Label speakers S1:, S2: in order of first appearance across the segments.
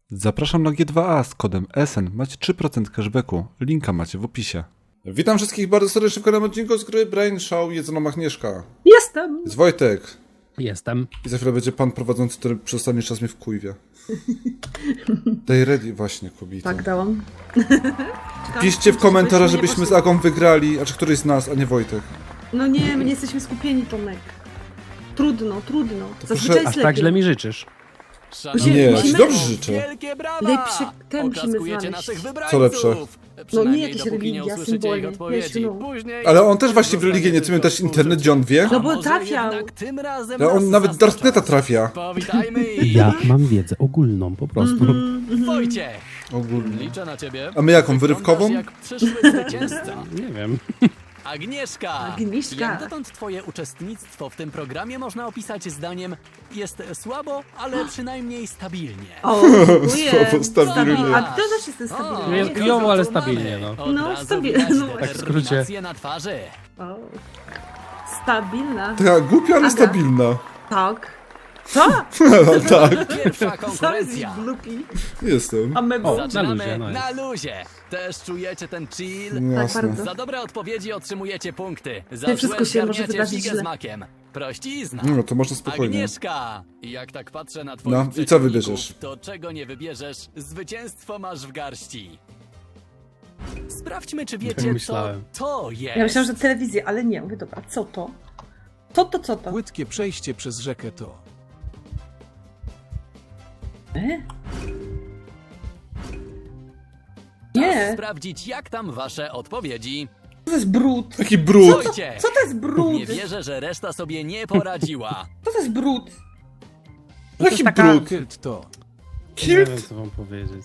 S1: Zapraszam na G2A z kodem SN. Macie 3% cashbacku. Linka macie w opisie. Witam wszystkich bardzo serdecznie w kolejnym odcinku z gry Brain Show. Jest mną Agnieszka.
S2: Jestem!
S1: Jest Wojtek.
S3: Jestem.
S1: I za chwilę będzie pan prowadzący, który przez ostatni czas mnie wkujwia. Daj ready właśnie, kobieta.
S2: Tak, dałam.
S1: Piszcie w komentarzach, żebyśmy z Agą wygrali, a czy któryś z nas, a nie Wojtek.
S2: No nie, my nie jesteśmy skupieni, Tomek. Trudno. Zazwyczaj
S1: proszę-
S2: jest
S3: Aż tak
S2: lepiej.
S3: źle mi życzysz.
S1: Nie, ja ci
S2: musimy-
S1: dobrze życzę.
S4: Wielkie brawa!
S2: Lepsze ten musimy
S4: Oklaskujecie
S2: znaleźć.
S4: naszych wybrańców!
S1: Co lepsze?
S4: Przynajmniej
S2: jakieś
S4: dopóki nie
S2: religia,
S4: usłyszycie ich
S2: symbole,
S4: odpowiedzi.
S2: wiesz, no.
S4: Później
S1: Ale on też właśnie w religię nie chce też internet, gdzie on wie.
S2: No bo
S4: A może
S2: trafiał.
S4: jednak tym razem
S1: Ale on
S4: nas
S1: nawet
S4: zaskoczą?
S1: Darkneta trafia.
S4: Powitajmy ich!
S3: Ja mam wiedzę ogólną po prostu.
S4: Wojciech!
S1: Ogólnie.
S4: Liczę na ciebie.
S1: A my jaką,
S4: Wyglądasz
S1: wyrywkową?
S4: jak przyszły zwycięzca.
S3: Nie wiem.
S4: Agnieszka! Jak dotąd twoje uczestnictwo w tym programie można opisać zdaniem jest słabo, ale przynajmniej stabilnie.
S2: O, dziękuję.
S1: Słowo stabilnie.
S2: A to też jestem stabilny.
S3: Jest
S4: kogo
S3: kijowo, ale
S4: tu mamy?
S3: stabilnie, no.
S4: Od
S2: No,
S4: razu
S2: stabilnie,
S4: widać
S2: no.
S3: Tak w skrócie.
S4: determinację na twarzy.
S2: O. Stabilna.
S1: Taka głupia, ale
S2: Aga.
S1: stabilna.
S2: Tak. Co?
S1: Tak,
S4: Pierwsza
S2: Co jest
S4: konkurencja.
S2: glupi?
S1: jestem.
S2: A my
S3: O,
S4: Zaczynamy
S3: luzie, no
S4: na
S3: jest.
S4: luzie. Też czujecie ten chill?
S1: Jasne.
S2: bardzo.
S4: Za dobre odpowiedzi otrzymujecie punkty. Za
S2: Nie, wszystko
S4: złe
S2: się może
S4: zgarniacie
S2: wydarzyć
S4: figę
S2: źle.
S4: z makiem. Prościzna.
S1: No to można spokojnie.
S4: Agnieszka! Jak tak patrzę na twoich
S1: No, i co
S4: przeciwników,
S1: wybierzesz?
S4: to czego nie wybierzesz, zwycięstwo masz w garści. Sprawdźmy, czy wiecie, co
S3: myślałem.
S4: to jest.
S2: Ja myślałam, że telewizja, ale nie. Mówię, dobra, co to? Co to?
S5: Płytkie przejście przez rzekę to.
S4: Czas
S2: Nie.
S4: sprawdzić, jak tam wasze odpowiedzi.
S2: Co to jest brud?
S1: Taki brud.
S4: Wojciech!
S2: Co to jest brud?
S4: Nie wierzę, że reszta sobie nie poradziła.
S2: Co to jest brud?
S1: Jaki
S3: taka-
S1: brud.
S5: Kilt to.
S3: Nie wiem,
S1: Kilt?
S3: co wam powiedzieć.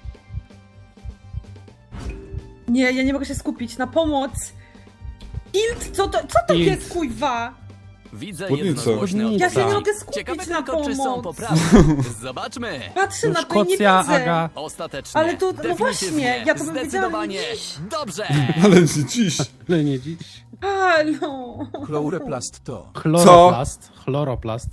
S2: Nie, ja nie mogę się skupić. Na pomoc! Kilt? Co to
S3: Kilt.
S2: jest, kuźwa?
S4: Widzę
S1: Spódnica.
S4: jednogłośne
S3: Spódnica.
S2: Ja się nie
S4: odpowiedzi.
S2: mogę skupić
S4: Ciekawe
S2: na
S4: tylko, czy są
S2: pomoc.
S4: poprawne. Zobaczmy.
S2: Patrzę
S3: No,
S2: na to i nie
S3: Szkocja,
S2: widzę.
S3: Aga.
S4: Ostatecznie.
S2: Ale to- no
S4: definitywnie,
S2: właśnie, ja to bym wiedziała,
S4: zdecydowanie.
S2: ale dziś.
S4: Dobrze.
S1: Ale nie dziś.
S3: Ale nie dziś.
S2: Halo.
S5: Chloroplast to.
S3: Chloroplast. Chloroplast.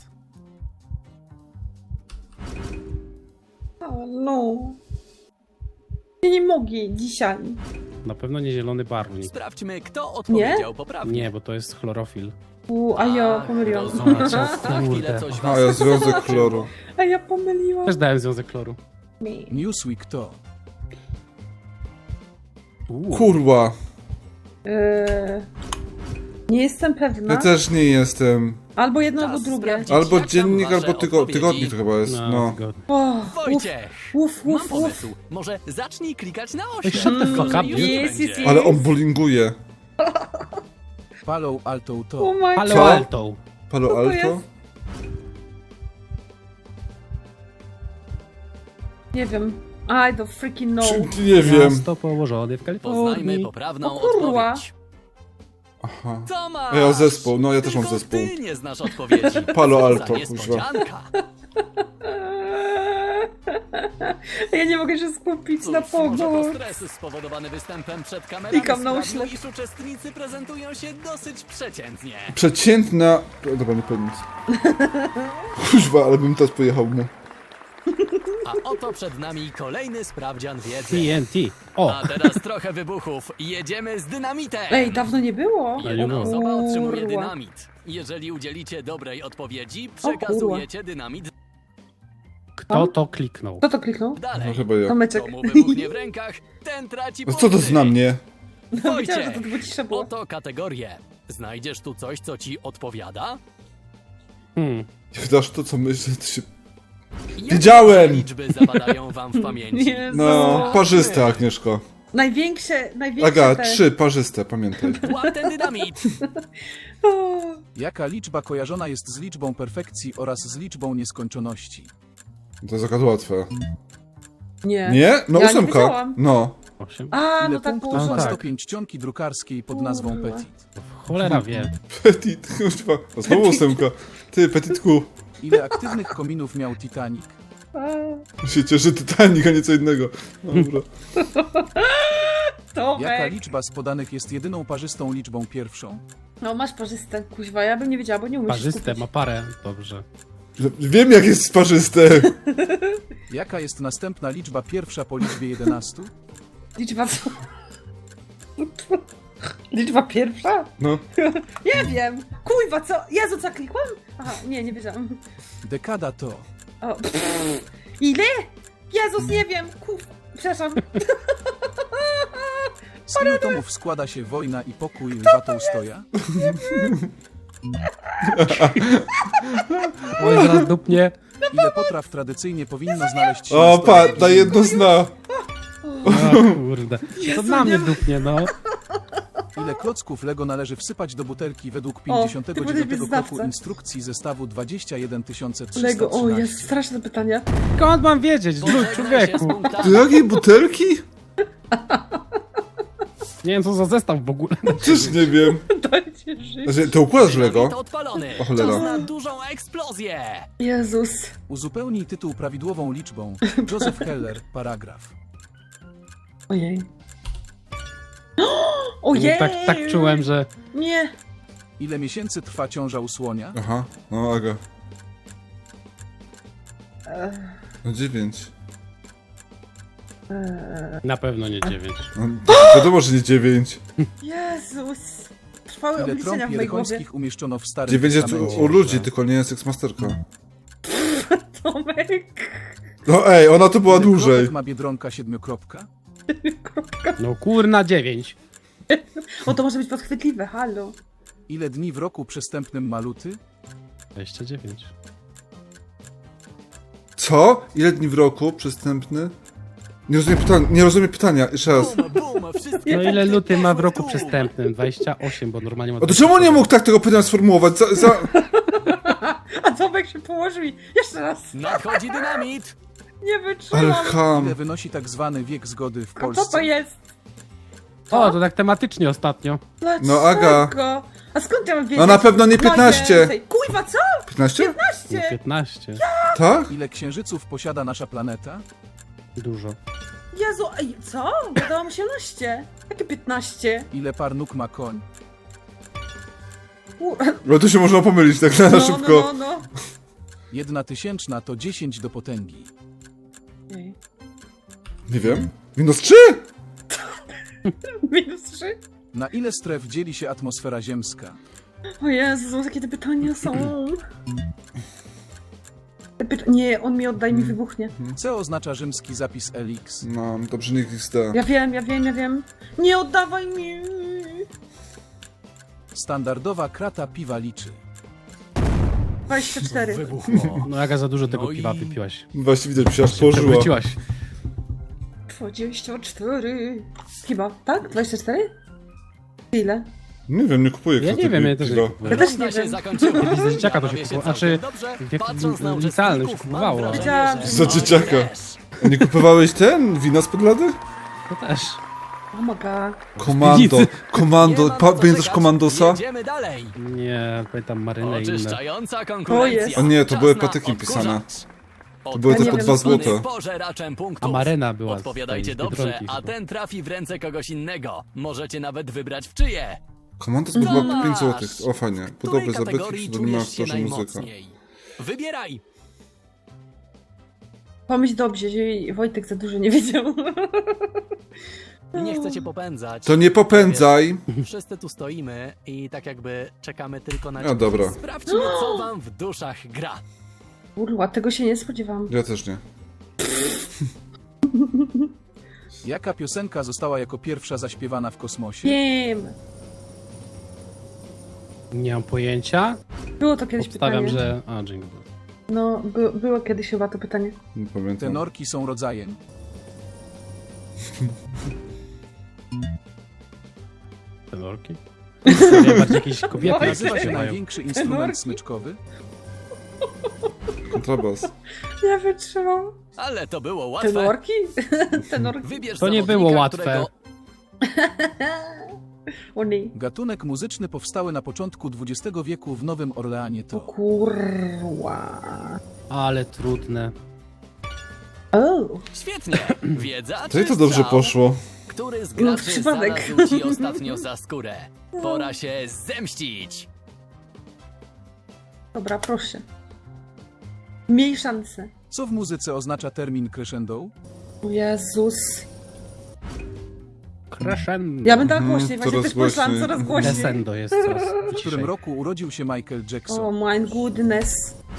S2: Halo. Ja nie mogę dzisiaj.
S3: Na pewno nie zielony barwnik.
S4: Sprawdźmy, kto odpowiedział poprawnie.
S3: Nie, bo to jest chlorofil.
S2: A ja pomyliłam.
S4: Rozumiem.
S3: Co?
S4: Za chwilę coś
S1: A
S4: was
S1: ja związek
S4: zaskoczy.
S1: chloru.
S2: A ja pomyliłam.
S3: Też dałem związek chloru.
S5: Newsweek to.
S1: Kurwa.
S2: Nie jestem pewna.
S1: Ja też nie jestem.
S2: Albo jedno,
S4: Czas
S2: albo drugie.
S4: sprawdzić,
S1: Albo
S4: jak tam
S1: dziennik,
S4: wasze
S1: albo
S4: odpowiedzi.
S1: tygodnik to chyba jest. No.
S3: zgodnie.
S2: O,
S4: Wojciech,
S2: uf.
S4: mam pomysł. Może zacznij klikać na 8.
S3: Shut the fuck up,
S4: Już
S3: dude.
S2: Jest,
S4: będzie.
S2: jest.
S1: Ale on bowlinguje.
S5: Palo Alto
S2: Oh
S5: to.
S2: my
S3: Palo
S1: Co?
S3: Alto.
S1: Palo
S2: to
S1: Alto?
S2: jest? Nie wiem. I don't freaking know.
S1: Nie wiem.
S3: Miasto położone w
S4: Poznajmy
S3: Kalifornii.
S4: poprawną
S2: O kurwa.
S4: odpowiedź.
S1: Aha.
S4: Tomasz!
S1: Ja mam zespół, no ja też mam
S4: Tylko
S1: zespół.
S4: ty nie znasz odpowiedzi.
S1: Palo
S4: Co
S1: Alto,
S4: za
S1: kuźwa.
S4: niespodzianka.
S2: Ja nie mogę się skupić na
S4: Cóż, może to
S2: pomoc.
S4: stres spowodowany występem przed kamerami
S2: Klikam na
S4: sprawił,
S2: uślep.
S4: iż uczestnicy prezentują się dosyć przeciętnie.
S1: Przeciętna... Dobra, nie powiem nic. Kuźwa, ale bym teraz pojechał mu.
S4: A oto przed nami kolejny sprawdzian wiedzy.
S3: TNT. O!
S4: A teraz trochę wybuchów. Jedziemy z dynamitem.
S2: Ej, dawno nie było.
S4: Jedna osoba otrzymuje
S2: Kurwa.
S4: dynamit. Jeżeli udzielicie dobrej odpowiedzi, przekazujecie dynamit
S3: Kto to kliknął?
S2: Kto to kliknął?
S4: dalej.
S1: No chyba ja.
S2: Tomeczek.
S4: Komu wybuchnie w rękach, ten traci
S1: No co to
S4: punkty.
S1: zna mnie?
S2: Wiedziałam, że
S4: Wojciech,
S2: to było cisza było.
S4: oto kategorie. Znajdziesz tu coś, co ci odpowiada?
S1: Jak dasz to, co myślę, to się...
S4: Jakie
S1: Wiedziałem!
S4: liczby zapadają wam w pamięci?
S2: Jezu.
S1: No, parzyste, Agnieszko.
S2: Największe
S1: Aga,
S2: te...
S1: 3, parzyste, pamiętaj.
S4: Łap ten dynamit!
S2: O,
S5: Jaka liczba kojarzona jest z liczbą perfekcji oraz z liczbą nieskończoności?
S1: To jest akurat łatwe.
S2: nie.
S1: Nie? No
S2: Ja nie
S1: 8.
S2: wiedziałam.
S1: No.
S3: 8?
S2: A,
S5: Ile
S2: no tak
S5: punktów
S2: było.
S5: ma
S3: tak.
S5: stopień czcionki drukarskiej pod nazwą
S2: Kurwa.
S5: Petit?
S3: Cholera wie.
S1: Petit, kuźwa. O, znowu 8. Ty, Petitku.
S5: Ile aktywnych kominów miał Titanic?
S2: A,
S1: Się cieszy Titanic, a nie co innego. Dobra.
S2: Tomek.
S5: Jaka liczba z podanych jest jedyną parzystą liczbą pierwszą?
S2: No masz parzyste, kuźwa, ja bym nie wiedziała, bo nie umiem się
S3: Parzyste,
S2: skupić.
S3: ma parę. Dobrze.
S1: Wiem, jak jest sparzyste.
S5: Jaka jest następna liczba pierwsza po liczbie 11?
S2: Liczba... Liczba pierwsza?
S1: No.
S2: Nie wiem. Kurwa, co? Jezu, co klikłam? Aha, nie wiedziałam.
S5: Dekada to...
S2: O, ile? Jezus, nie wiem. Przepraszam.
S5: Z ilu tomów składa się Wojna i pokój Lwa Tołstoja?
S3: Oj, zaraz dupnie.
S5: Ile potraw tradycyjnie powinno znaleźć się
S1: O,
S5: na stole?
S1: na jedno zna.
S3: O kurde. To
S2: Jezu,
S3: na mnie
S2: nie-
S3: dupnie, no.
S5: Ile klocków Lego należy wsypać do butelki według
S2: ty
S5: 59
S2: powinieneś być
S5: kroku
S2: znawca.
S5: instrukcji zestawu 21313?
S2: Lego, o, jest straszne pytanie.
S3: Skąd mam wiedzieć? Zluj,
S4: Pożegnaj się z
S3: człowieku.
S4: punktami.
S1: Do jakiej butelki?
S3: Nie wiem, co za zestaw w ogóle.
S1: Też nie wiem.
S2: Dajcie żyć.
S1: Znaczy, to układasz Lego?
S4: Dynamit odpalony.
S1: O cholera.
S4: Czas na dużą eksplozję.
S2: Jezus.
S5: Uzupełnij tytuł prawidłową liczbą. Joseph Heller, paragraf.
S2: Ojej. Ojej!
S3: Tak czułem, że...
S2: Nie.
S5: Ile miesięcy trwa ciąża u słonia?
S1: Aha, no Aga.
S2: Ech,
S1: No 9.
S3: Na pewno nie 9.
S1: No, wiadomo, że nie 9.
S2: Jezus. Trwały
S5: Ile
S2: obliczenia
S5: trąb
S2: w mojej głowie.
S5: jerychońskich umieszczono w starym
S1: 9 jest
S5: testamencie?
S1: u ludzi, tylko nie jest Sexmasterka.
S2: Tomek.
S1: No ej, ona tu była
S5: Ile
S1: dłużej.
S5: kropek ma Biedronka 7-kropka?
S3: No kurna 9.
S2: O, to może być podchwytliwe, halo.
S5: Ile dni w roku przestępnym ma luty?
S3: 29.
S1: Co? Ile dni w roku przestępny? Nie rozumiem pytania, jeszcze raz.
S4: Bum, bum, wszystkie
S3: No ile
S4: punkty
S3: luty ma w
S4: poszły
S3: roku
S4: dół.
S3: przestępnym? 28, bo normalnie ma...
S1: A to czemu nie mógł tak tego pytania sformułować?
S2: A Tomek się położył i... Jeszcze raz.
S4: Nadchodzi dynamit.
S2: Nie
S1: Ale
S2: wytrzymam.
S1: ham.
S5: Ile wynosi tak zwany wiek zgody w
S2: A co to
S5: Polsce?
S2: jest?
S3: O, to tak tematycznie ostatnio.
S2: Dlaczego?
S1: No, Aga.
S2: A skąd ja mam wiedzieć?
S1: No na pewno nie 15.
S2: więcej. Kurwa, co?
S1: 15?
S2: 15?
S3: 15.
S1: Tak?
S5: Ile księżyców posiada nasza planeta?
S3: Dużo.
S2: Jezu, ej, co? Gadałam 18. Jakie 15?
S5: Ile par nóg ma koń?
S1: No to się można pomylić tak na szybko.
S2: No.
S5: 1/1000 to 10 do potęgi.
S2: Ej.
S1: Nie wiem. -3?
S2: -3?
S5: Na ile stref dzieli się atmosfera ziemska?
S2: O Jezu, jakie te pytania są. Nie, on mi oddaj, mi wybuchnie.
S5: Co oznacza rzymski zapis LX?
S1: No, dobrze, nikt XD.
S2: Ja wiem. Nie oddawaj mi.
S5: Standardowa krata piwa liczy.
S2: 24.
S4: Wybuchło.
S3: No jaka za dużo tego
S4: No i-
S3: piwa wypiłaś.
S1: Właśnie widać, mi się aż położyła.
S3: Przewróciłaś.
S2: 24. Chyba, tak? 24? Ile?
S1: Nie wiem, nie kupuję
S3: Ja nie wiem, ja też nie
S1: piwa.
S3: kupuję.
S2: Ja też nie
S4: Runda się
S2: wiem.
S4: zakończyła.
S3: Za dzieciaka to się
S4: Bawię
S3: kupowało.
S4: całkiem
S3: Znaczy,
S4: dobrze.
S3: wiek
S4: Patrząc na
S3: licealny się
S4: uczestników,
S3: kupowało.
S4: mam
S2: Wiedziałam,
S4: wrażenie,
S2: że-
S4: że
S1: Za dzieciaka.
S4: też.
S1: Nie kupowałeś ten? Wina spod lady?
S3: To też.
S2: Oh my god.
S1: Komando. Komando.
S4: Nie ma na co
S1: Pamiętasz
S4: czekać.
S1: Komandosa?
S4: Jedziemy dalej.
S3: Nie, pamiętam marynę i inne.
S4: Oczyszczająca konkurencja.
S2: O
S1: nie, to
S4: Czas
S1: były
S4: na
S1: patyki
S4: odkurzacz.
S1: pisane. To były
S2: tylko
S1: tylko 2
S2: Odpowiednie
S1: złote.
S4: Pożeraczem punktów.
S3: A marena była z
S4: Odpowiadajcie
S3: tej
S4: dobrze,
S3: Biedronki
S4: a
S3: chyba.
S4: ten trafi w ręce kogoś innego. Możecie nawet wybrać w czyje.
S1: Komandos był chyba
S4: Tomasz!
S1: 5 złotych. O fajnie.
S4: W której
S1: Podobne zabytki
S4: kategorii
S1: w pseudonimach
S4: czujesz się
S1: proszę muzyka.
S4: najmocniej? Wybieraj.
S2: Pomyśl dobrze, że Wojtek za dużo nie wiedział.
S4: Nie chcę cię popędzać.
S1: To nie popędzaj.
S4: Wszyscy tu stoimy i tak jakby czekamy tylko na
S1: A,
S4: ciebie.
S1: dobra.
S4: Sprawdźmy, co wam w duszach gra.
S2: Kurwa, tego się nie spodziewałam.
S1: Ja też nie.
S5: Jaka piosenka została jako pierwsza zaśpiewana w kosmosie?
S2: Wiem.
S3: Nie mam pojęcia.
S2: Było to kiedyś
S3: Obstawiam,
S2: pytanie.
S3: że... A, Jingle Bell.
S2: No, było kiedyś chyba to pytanie.
S1: Nie pamiętam.
S5: Tenorki są rodzajem.
S3: Tenorki? Nie, bardziej jakieś kobiety
S2: Oj,
S5: Nazywa się
S3: śpiewają.
S5: największy instrument smyczkowy?
S1: Kontrabas.
S2: Nie wytrzymam.
S4: Ale to było łatwe.
S2: Tenorki? Tenorki.
S4: Wybierz
S3: To nie
S4: zawodnika,
S3: było łatwe.
S4: którego...
S2: O nie.
S5: Gatunek muzyczny powstały na początku XX wieku w Nowym Orleanie
S2: O
S5: to...
S2: kurwa.
S3: Ale trudne.
S2: O.
S4: Świetnie. Wiedza
S1: To i
S4: czy
S1: to dobrze
S4: strzał?
S1: poszło.
S4: Który z
S2: No,
S4: graczy
S2: przypadek.
S4: znalazł ci ostatnio za skórę? Pora się zemścić.
S2: Dobra, proszę. Miej szansę.
S5: Co w muzyce oznacza termin crescendo?
S2: O Jezus.
S3: Crescendo.
S2: Ja bym dała głośniej, właśnie
S1: coraz
S2: też pomyślałam
S1: głośniej.
S2: coraz głośniej.
S3: Descendo jest coraz
S5: W którym roku urodził się Michael
S2: Oh
S5: Jackson?
S2: my goodness.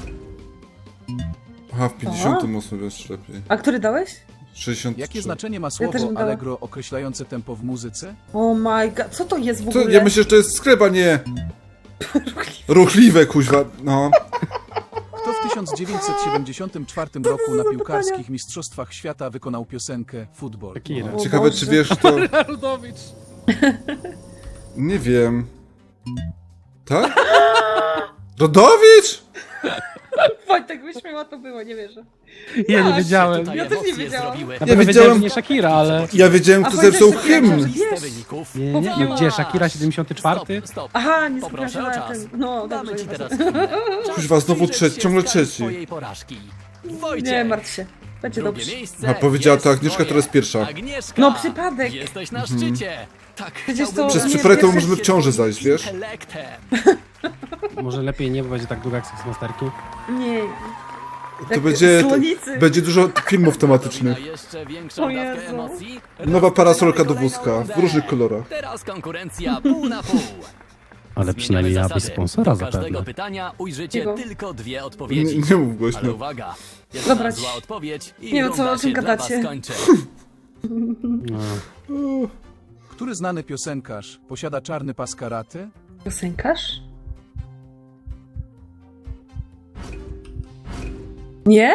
S1: Aha, w 58 jeszcze lepiej.
S2: A który dałeś?
S1: 63.
S5: Jakie znaczenie ma
S2: też
S5: słowo
S2: bym dała.
S5: allegro określające tempo w muzyce?
S2: Oh my god, co to jest w
S1: To,
S2: ogóle?
S1: ja myślę, że to jest skryba, nie... Ruchliwe, kuźwa, no.
S5: Kto w 1974 roku na piłkarskich mistrzostwach świata wykonał piosenkę Football?
S3: Shakira.
S2: O
S1: Ciekawe,
S2: Boże.
S1: czy wiesz to...
S3: Rudowicz.
S1: Nie wiem. Tak? Rodowicz?
S2: Wojtek wyśmiała, to było, nie wierzę.
S3: Ja nie
S2: Tak.
S3: wiedziałem.
S4: Tutaj
S2: Ja też nie
S4: emocje
S2: wiedziałam.
S4: zrobiły.
S3: Ja
S1: wiedziałem-
S3: wiedziałem, że nie Shakira, ale...
S1: Ja wiedziałem,
S2: A
S1: kto
S2: Wojtek
S1: zepsuł
S2: Shakira,
S1: hymn.
S2: że-
S4: Listę
S2: Wiesz.
S4: wyników.
S3: Nie,
S2: Mówiła.
S3: no gdzie? Shakira 74?
S4: Stop.
S2: Aha, nie
S4: Poproszę
S2: skupiłam
S4: o
S2: się na
S4: czas.
S2: tym. No,
S4: Damy
S2: dobrze,
S4: ci
S2: nie
S4: teraz
S2: ważne.
S4: chwilę. Czas
S1: Kuźwa, znowu
S4: przyjrzeć
S1: trzeci,
S4: się
S1: ciągle
S4: skali
S1: trzeci.
S4: swojej porażki. Wojciech.
S2: Nie martw się. Będzie
S4: Drugie
S2: dobrze.
S4: miejsce
S1: A powiedziała
S4: jest
S1: to Agnieszka,
S4: twoje.
S1: teraz pierwsza.
S4: Agnieszka,
S2: No, przypadek.
S4: Jesteś na szczycie. Tak,
S2: Przecież to
S4: chciałbym
S2: Przez
S4: się
S2: przypadek to
S4: cieszyć
S1: możemy w ciąży
S4: twoim
S1: zajść, wiesz?
S4: intelektem.
S3: Może lepiej nie będzie tak długo jak Sexmasterki?
S2: Nie.
S1: To
S2: Tak,
S1: będzie...
S2: słonicy.
S1: Będzie dużo filmów tematycznych.
S4: Na jeszcze większą
S2: O
S4: dawkę
S2: Jezu.
S4: emocji.
S1: Nowa parasolka do
S4: Kolejną
S1: wózka,
S4: rundę.
S1: w różnych kolorach.
S4: Teraz konkurencja pół na pół.
S3: Ale przynajmniej
S4: Zmieniamy
S3: miałabyś
S4: zasady.
S3: sponsora
S4: Do każdego
S3: zapewne.
S4: pytania ujrzycie
S2: Cicho.
S4: tylko dwie
S1: Nie,
S4: odpowiedzi.
S1: nie mów
S4: Ale
S1: głośno.
S4: uwaga, jedna
S2: Dobra,
S4: zła odpowiedź i
S2: nie wiem, co-
S4: runda
S2: o czym
S4: się dla
S2: gadacie.
S4: was kończy.
S3: No.
S5: Który znany piosenkarz posiada czarny pas karate?
S2: Piosenkarz? Nie?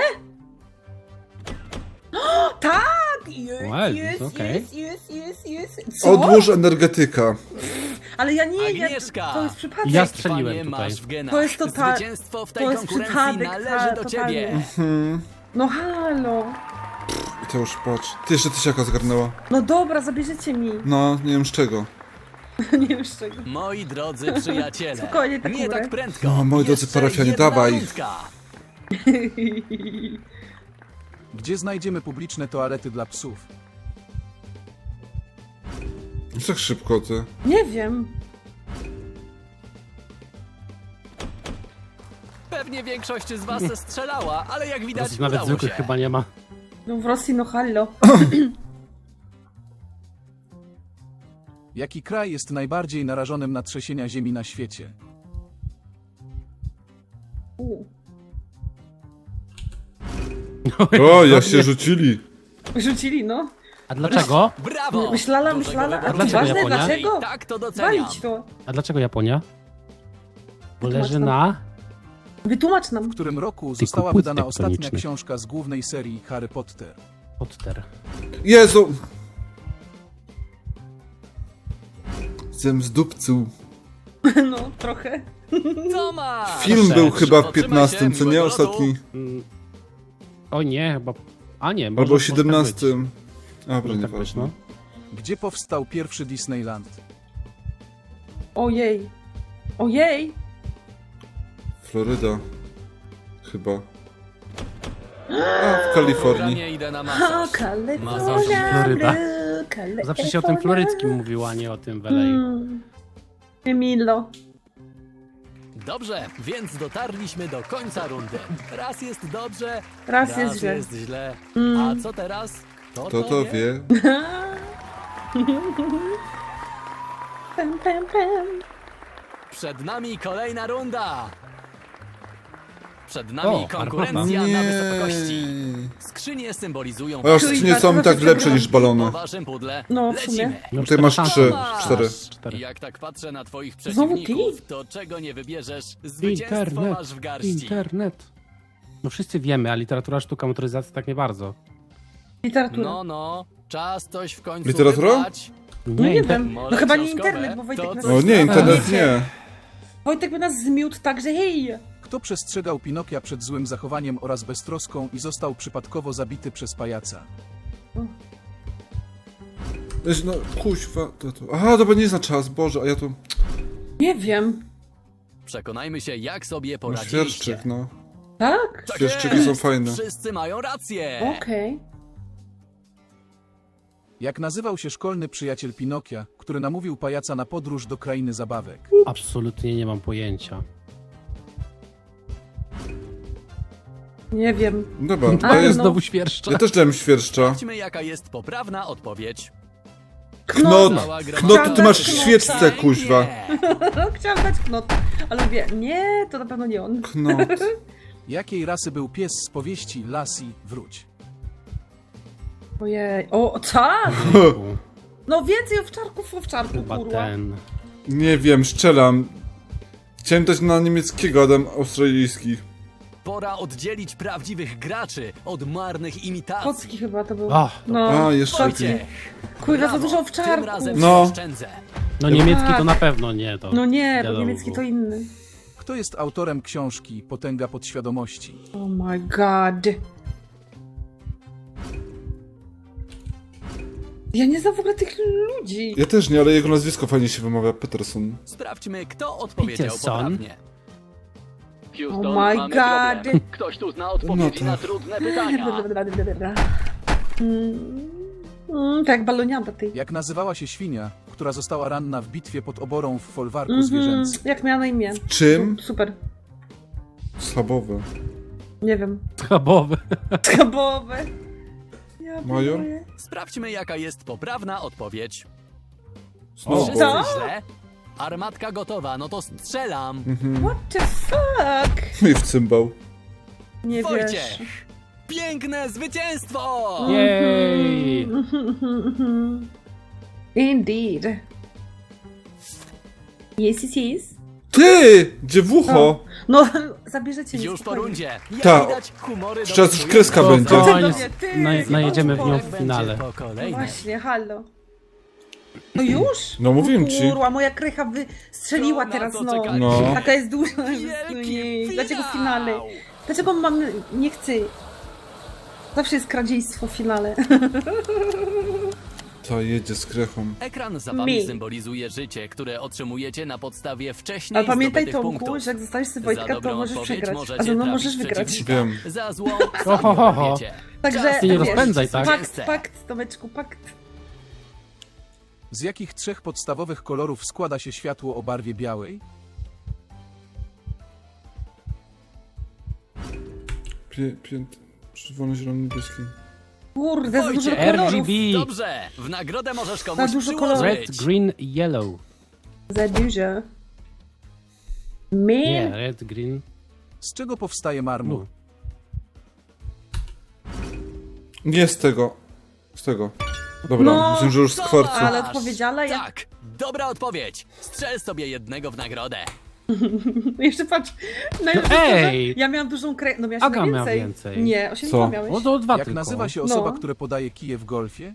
S2: O, tak!
S3: Well,
S2: Jest,
S3: okej.
S2: jest. Co?
S1: Odłóż energetyka.
S2: Ale ja nie,
S4: Agnieszka!
S2: to jest przypadek.
S3: Ja strzeliłem
S4: Panie,
S3: tutaj.
S4: masz w genach.
S2: To jest total-
S4: Zwycięstwo w tej
S2: to jest
S4: konkurencji
S2: przypadek,
S4: należy do
S2: totalny.
S4: ciebie.
S2: No halo.
S1: I to już patrz. Ty jeszcze tysiaka zgarnęła.
S2: No dobra, zabierzecie mi.
S1: No, nie wiem z czego.
S2: Nie wiem z czego.
S4: Moi drodzy przyjaciele,
S2: Spokojnie, tak
S4: nie
S2: umrę.
S4: tak prędko.
S1: No, moi drodzy
S4: Jeszcze
S1: parafianie,
S4: jedna
S1: dawaj.
S4: rundka.
S5: Gdzie znajdziemy publiczne toalety dla psów?
S1: Już tak szybko, ty.
S2: Nie wiem.
S4: Pewnie większość z was strzelała, ale jak widać
S3: Nawet
S4: udało
S3: zwykłych
S4: się.
S3: chyba nie ma.
S2: No w Rosji, no hallo.
S5: Jaki kraj jest najbardziej narażonym na trzęsienia ziemi na świecie?
S1: O, jak się rzucili.
S2: Rzucili, no.
S3: A dlaczego?
S4: Brawo!
S2: Myślała,
S4: Dużego
S2: myślała. A
S4: wyboru.
S2: to
S3: Dlaczego
S2: ważne,
S3: Japonia?
S2: dlaczego?
S4: I tak to doceniam.
S2: Walić to.
S3: A dlaczego Japonia? Bo
S2: Wytłumacz
S3: leży
S2: nam.
S3: na...
S2: Wytłumacz nam.
S5: W którym roku została
S3: płyt
S5: wydana ostatnia
S3: tektonicznych.
S5: książka z głównej serii Harry Potter?
S3: Potter.
S1: Jezu! Zem z dupcu.
S2: No, trochę.
S4: Co ma?
S1: Film był chyba w
S4: Otrzymaj
S1: 15,
S4: się,
S1: co nie?
S4: miłego lotu.
S1: Ostatni.
S3: O nie, chyba... A nie, może,
S1: Albo
S3: może tak
S1: 17.
S3: być.
S1: Dobra,
S3: Może tak być,
S1: nieważne.
S3: no.
S5: Gdzie powstał pierwszy Disneyland?
S2: Ojej. Ojej.
S1: Floryda. Chyba. A, w Kalifornii.
S4: Programie idę na
S2: O,
S4: masaż.
S2: Kalifornia.
S3: Floryda.
S2: Kalifornia.
S3: Zawsze się o tym floryckim mówiło, a nie o tym Welej.
S2: Emilo.
S4: Dobrze, więc dotarliśmy do końca rundy. Raz jest dobrze,
S2: Raz jest źle.
S4: jest źle. A co teraz?
S1: To wie.
S2: Pem, pem, pem.
S4: Przed nami kolejna runda. Przed nami
S3: O,
S4: konkurencja na wysokości. Skrzynie symbolizują
S1: A
S2: Czyli
S1: skrzynie są
S2: bardzo
S1: tak lepsze
S2: przegrałam.
S1: niż balony.
S4: po waszym pudle.
S2: No, w sumie.
S4: Lecimy.
S3: No,
S1: Tutaj masz 3,
S4: Masz.
S1: 4.
S3: 4.
S4: Jak tak patrzę na twoich
S2: Znowu ty?
S4: przeciwników, to czego nie wybierzesz, zwycięstwo
S3: Internet,
S4: masz w garści.
S3: internet. No wszyscy wiemy, a literatura, sztuka, motoryzacja tak nie bardzo.
S2: Literatura.
S4: No, czas coś w końcu
S1: Literatura?
S4: wybrać.
S2: No nie
S3: inter-
S2: wiem.
S4: Może
S2: No chyba nie
S4: książkowe?
S2: internet, bo Wojtek
S4: To
S2: nas...
S4: co?
S1: O nie, internet nie.
S2: Wojtek by nas zmiótł tak, że hej.
S5: Kto przestrzegał Pinokia przed złym zachowaniem oraz beztroską i został przypadkowo zabity przez pajaca?
S1: No, kuźwa. Aha, dobra, nie zna czas, Boże, a ja tu...
S2: Nie wiem.
S4: Przekonajmy się, jak sobie
S1: No,
S4: poradziliście.
S1: świerszczyk, no.
S2: Tak?
S4: Tak
S1: Świerszczyki
S4: jest!
S1: są fajne.
S4: Wszyscy mają rację.
S2: Okej.
S5: Jak nazywał się szkolny przyjaciel Pinokia, który namówił pajaca na podróż do krainy zabawek?
S3: Absolutnie nie mam pojęcia.
S2: Nie wiem.
S1: Dobra,
S2: A,
S1: to jest...
S2: no.
S3: Znowu świerszcza.
S1: Ja też dałem świerszcza.
S4: Sprawdźmy, jaka jest poprawna odpowiedź.
S1: Knot!
S4: Cała gra-
S1: Knot, ty masz w
S2: Knota.
S1: świeczce, kuźwa.
S2: Chciałam dać knot, ale mówię, nie, to na pewno nie on.
S1: Knot.
S5: Jakiej rasy był pies z powieści Lassie, wróć?
S2: Ojej, o, tak! No więcej owczarku,
S3: Chyba
S2: kurwa.
S3: ten.
S1: Nie wiem, strzelam. Chciałem dać na niemieckiego, Adam australijski.
S4: Pora oddzielić prawdziwych graczy od marnych imitacji.
S2: Kocki chyba to był.
S3: Ach,
S2: No,
S1: A, jeszcze
S2: kocki.
S1: ty.
S2: Kurwa, za
S4: Brawo,
S2: dużo
S4: Tym
S2: owczarków.
S4: razem
S1: No.
S4: się oszczędzę.
S3: no niemiecki to
S2: Tak.
S3: na pewno nie to.
S2: No nie, bo
S3: Wiadomo
S2: niemiecki
S3: było.
S2: to inny.
S5: Kto jest autorem książki Potęga podświadomości?
S2: Oh my god. Ja nie znam w ogóle tych ludzi.
S1: Ja też nie, ale jego nazwisko fajnie się wymawia. Peterson.
S4: Sprawdźmy, kto odpowiedział
S3: Peterson.
S4: poprawnie.
S2: Oh my god.
S6: Ktoś tu zna odpowiedzi
S1: No
S6: na
S1: to-
S6: trudne pytania.
S2: Tak, baloniada ty.
S5: Jak nazywała się świnia, która została ranna w bitwie pod oborą w folwarku zwierzęcym?
S2: Jak miała na imię?
S1: Czym?
S2: Super.
S1: Schabowy.
S2: Nie wiem.
S3: Schabowy.
S2: Skabowe. Ja
S1: Major?
S2: pierdolę.
S4: Sprawdźmy, jaka jest poprawna odpowiedź.
S1: Znowu.
S4: Wszyscy
S2: Co?
S4: źle? Armatka gotowa, no to strzelam.
S2: What the fuck?
S1: I w cymbał.
S2: Nie wiesz.
S4: Wojciech! Piękne zwycięstwo!
S3: Jej!
S2: Indeed. Yes.
S1: Ty! Dziewucho!
S2: No, zabierzecie mi
S4: Już po
S2: spokojnie.
S4: rundzie. Jak
S1: Ta.
S4: widać, humory
S1: Teraz już
S4: dominują.
S1: kreska będzie.
S3: Spokojnie,
S2: Ty,
S3: najedziemy w nią
S4: Jak
S3: w
S4: będzie
S3: finale.
S4: po
S2: No
S4: kolejne.
S2: właśnie, halo. No już?
S1: No mówiłem ci.
S2: Kurwa, moja krycha wystrzeliła
S4: To na
S2: teraz,
S4: co
S2: no.
S4: czekaliście?
S1: No.
S2: Taka jest duża.
S4: Wielki
S2: Nie. Dlaczego w
S4: finał!
S2: finale? Dlaczego mam... Nie chcę. Zawsze jest kradziejstwo w finale.
S1: To jedzie z krechą.
S4: Ekran za wami
S2: Mi.
S4: symbolizuje życie, które otrzymujecie na podstawie wcześniej
S2: Ale pamiętaj,
S4: zdobytych
S2: Tomku,
S4: punktów.
S2: że jak zostawisz sobie
S4: Za
S2: Wojtka, to
S4: dobrą
S2: możesz
S4: odpowiedź
S2: przegrać.
S4: możecie
S2: A ze mną
S4: trafić
S2: możesz wygrać.
S4: przeciwnika.
S1: Wiem.
S4: Za złą
S3: Ho, ho, ho, ho.
S4: wiecie.
S2: Także,
S3: Ty nie
S2: wiesz,
S3: rozpędzaj, tak?
S2: Pakt, Tomeczku, pakt.
S5: Z jakich trzech podstawowych kolorów składa się światło o barwie białej?
S1: Czerwony, zielony, niebieski.
S2: Kurde, za dużo
S4: Wojciech,
S2: kolorów.
S3: RGB.
S4: Dobrze, w nagrodę możesz komuś
S2: dużo kolorów.
S3: Red,
S4: przyłożyć.
S3: green, yellow.
S2: Za dużo.
S3: Nie,
S2: Man.
S3: red, green.
S5: Z czego powstaje marmur?
S3: No.
S1: Nie z tego. Z tego. Dobra,
S2: No,
S1: myślę, że już z
S4: Co
S1: kwarcu.
S2: Ale
S4: masz?
S2: odpowiedziała ja.
S4: Tak, dobra odpowiedź. Strzel sobie jednego w nagrodę.
S2: Jeszcze patrz. Najlepsze
S3: ej!
S2: to, że ja miałam dużą krę... No miałaś
S3: Aga
S2: chyba
S3: miała
S2: więcej.
S3: więcej.
S2: Nie, 8
S1: Co?
S2: miałeś.
S3: O, to dwa
S5: Jak
S3: tylko.
S5: nazywa się osoba,
S2: No.
S5: która podaje kije w golfie?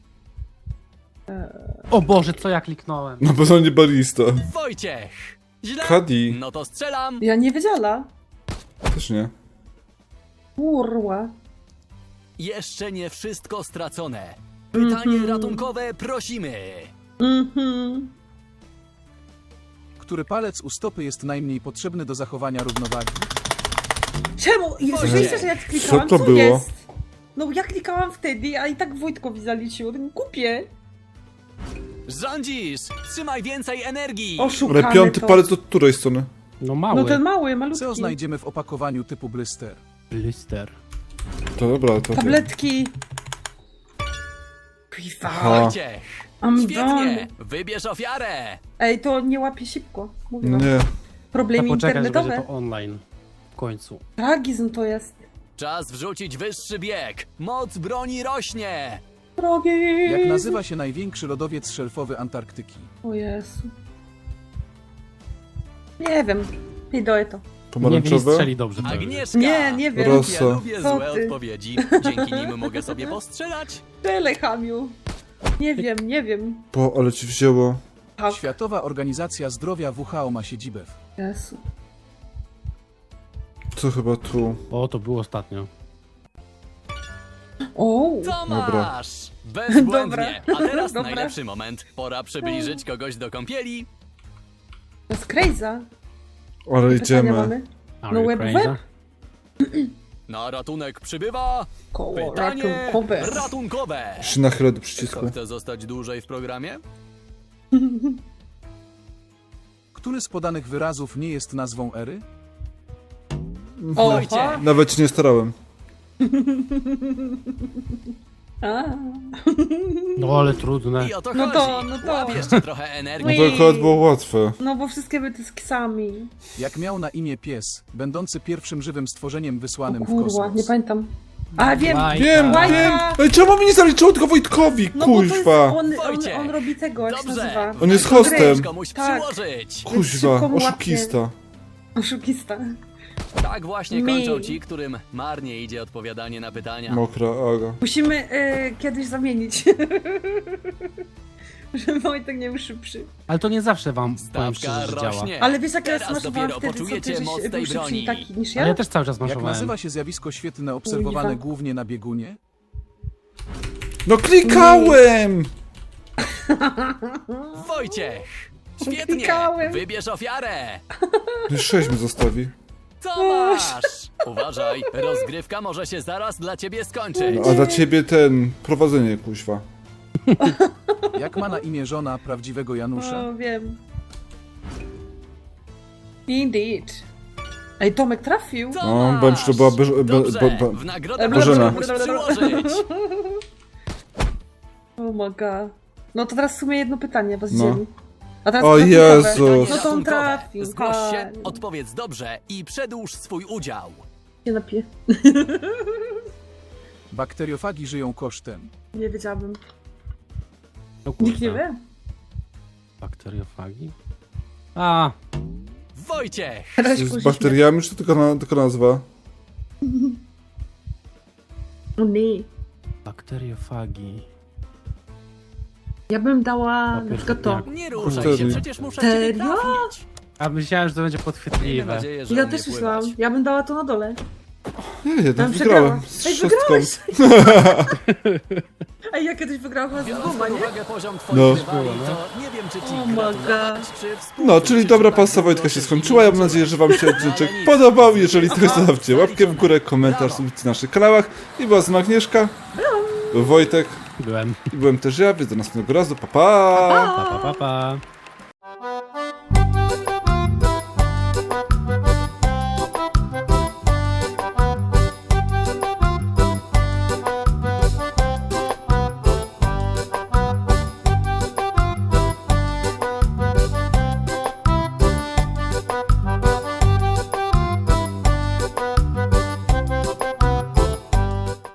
S3: O Boże, co ja kliknąłem?
S1: Na pewno nie barista.
S4: Wojciech! Źle?
S1: Kadi.
S4: No to strzelam.
S2: Ja nie wiedziała.
S1: Też nie.
S2: Kurwa.
S4: Jeszcze nie wszystko stracone. Pytanie ratunkowe prosimy.
S2: Mhm.
S5: Który palec u stopy jest najmniej potrzebny do zachowania równowagi?
S2: Czemu? I
S4: Wojciech.
S2: słyszeliście, że ja klikałam?
S1: Co to było?
S2: Jest? No ja klikałam wtedy, a i tak Wojtkowi zaliczyło. To głupie.
S4: Rządzisz! Trzymaj więcej energii!
S2: Oszukane
S1: Ale piąty
S2: to.
S1: palec od której strony?
S3: No mały.
S2: No ten mały, malutki.
S5: Co znajdziemy w opakowaniu typu blister?
S3: Blister.
S1: To dobra, to wiem.
S2: Tabletki. Kuiwa.
S1: Aha.
S4: Wojciech!
S2: I'm
S4: Świetnie!
S2: done.
S4: Wybierz ofiarę!
S2: Ej, to nie łapie szybko. Mówiłam.
S1: Nie.
S2: Problemy
S3: Trzeba poczekać, że będzie
S2: internetowe.
S3: to online. W końcu.
S2: Tragizm to jest.
S4: Czas wrzucić wyższy bieg! Moc broni rośnie!
S2: Tragizm.
S5: Jak nazywa się największy lodowiec szelfowy Antarktyki?
S2: O Jezu. Nie wiem. Pidoję to.
S3: Nie
S1: Pomarańczowe?
S3: strzeli dobrze. pewnie.
S4: Agnieszka!
S2: Nie, nie wiem.
S1: Rosa.
S4: Ja lubię
S2: Co
S4: złe
S2: ty?
S4: odpowiedzi. Dzięki nim mogę sobie postrzelać.
S2: Tyle, Hamiu. Nie wiem, nie wiem.
S1: Bo, ale ci wzięło.
S2: Tak.
S5: Światowa Organizacja Zdrowia WHO ma siedzibę w...
S2: Jezu.
S1: Co chyba tu?
S3: O, to było ostatnio.
S2: O.
S4: To
S1: Dobra.
S4: masz! Bezbłędnie! A teraz
S2: Dobra.
S4: najlepszy moment. Pora przybliżyć kogoś do kąpieli.
S2: To jest crazy.
S1: Ale
S2: Pytania
S1: idziemy.
S2: mamy.
S3: Are
S2: No
S3: you
S2: web,
S3: crazy?
S2: web?
S4: Na ratunek przybywa
S2: Koło
S4: pytanie
S2: ratunkowe.
S4: ratunkowe.
S1: Się nachylę do przycisku.
S4: Kto chce zostać dłużej w programie?
S5: Który z podanych wyrazów nie jest nazwą ery?
S2: O,
S4: Wojciech.
S1: Nawet się nie starałem.
S2: A.
S3: No ale trudne.
S4: I o to
S2: No
S4: chodzi.
S2: to, no to.
S4: Łap jeszcze trochę
S1: No
S4: energii.
S1: to akurat było łatwe.
S2: No bo wszystkie były z ksami.
S5: Jak miał na imię pies, będący pierwszym żywym stworzeniem
S2: O
S5: wysłanym w
S2: kurwa,
S5: kosmos?
S2: nie pamiętam. A wiem!
S3: Bajka.
S1: Wiem,
S2: Bajka.
S1: wiem! Ej, czemu mi nie zaliczyło tylko Wojtkowi,
S2: No bo to jest,
S1: kuźwa?
S2: on robi tego, jak się
S4: Dobrze.
S2: nazywa.
S1: On jest
S2: Gry.
S1: hostem.
S4: Komuś
S2: Tak.
S4: przyłożyć.
S1: Kuźwa,
S2: Szybko mu łapie.
S1: oszukista.
S2: Oszukista.
S4: Tak właśnie
S2: Mi.
S4: kończą ci, którym marnie idzie odpowiadanie na pytania.
S1: Mokra Aga.
S2: Musimy kiedyś zamienić. Żeby Wojtek nie był szybszy.
S3: Ale to nie zawsze wam powiem
S4: Stawka
S3: szczerze, że działa.
S4: rośnie.
S2: Ale wiesz jak ja
S4: Teraz
S2: smaszowałam
S4: dopiero
S2: wtedy, co ty
S4: poczujecie
S2: żeś
S4: moc tej
S2: był szybszy
S4: broni.
S2: i taki niż
S3: Ale ja
S2: ja?
S3: też cały czas
S5: Jak
S3: maszowałem.
S5: nazywa się zjawisko świetlne obserwowane
S2: Kuźwa.
S5: głównie na biegunie?
S1: No klikałem!
S4: Wojciech! Świetnie!
S2: Klikałem.
S4: Wybierz ofiarę!
S1: No 6 mi zostawi.
S4: Tomasz! Uważaj, rozgrywka może się zaraz dla ciebie skończyć.
S1: No, a dla ciebie ten, prowadzenie, kuźwa.
S5: Jak ma na imię żona prawdziwego Janusza?
S2: O, wiem. Indeed. Ej, Tomek trafił.
S1: No, bądź to była
S4: Dobrze,
S1: Bo-
S4: w nagrodę
S1: Bożena.
S4: musisz przyłożyć.
S2: Oh my god. No to teraz w sumie jedno pytanie was
S1: No.
S2: dzieli. A teraz
S1: O
S2: ratunkowe.
S1: Jezus.
S2: No to on
S4: Ratunkowe.
S2: trafił.
S4: Zgłoś się,
S2: Fajnie.
S4: odpowiedz dobrze i przedłuż swój udział.
S2: Nie napiję.
S5: Bakteriofagi żyją kosztem.
S2: Nie wiedziałabym.
S3: No
S2: Nikt nie
S3: kurwa.
S2: wie.
S3: Bakteriofagi? A,
S4: Wojciech!
S2: Teraz
S1: Z
S2: później
S1: bakteriami, czy to tylko nazwa?
S2: O nie.
S3: bakteriofagi.
S2: Ja bym dała
S3: Papier
S2: na przykład to.
S3: jak-
S4: Nie ruszaj
S1: Wtedy.
S4: się, przecież muszę ciebie
S2: Serio?
S4: trafić.
S3: A myślałem, że to będzie
S4: Miejmy
S3: podchwytliwe.
S4: nadzieję, że
S2: Ja
S4: umie
S2: też
S4: pływać.
S2: myślałam. Ja bym dała to na dole.
S1: Nie, jednak
S2: Ja
S1: wygrałem.
S2: przegrałam.
S1: Z
S2: Ej,
S1: szóstką.
S2: wygrałeś! Ej, ja kiedyś wygrałam chyba z
S4: Biorąc
S2: dwoma,
S4: pod
S2: nie?
S4: uwagę poziom twoich
S1: No.
S4: rywali, to nie wiem, czy ci
S2: Oh my
S4: gratulować,
S2: God.
S4: czy współczuć,
S1: No, czyli
S4: czy
S1: dobra
S4: tak
S1: pasta
S4: było,
S1: Wojtka się
S4: czy
S1: skończyła. Ja mam
S4: nie.
S1: nadzieję, że wam się
S4: Ale
S1: odcinek
S4: nic.
S1: podobał. Jeżeli tak,
S4: Aha,
S1: zostawcie łapkę w górę, komentarz,
S4: Brawo.
S1: subskrypcję na naszych kanałach. I była z nami Agnieszka, Wojtek
S3: Byłem.
S1: i byłem też ja, więc do następnego razu. Pa, pa!
S3: Pa, pa, pa, pa.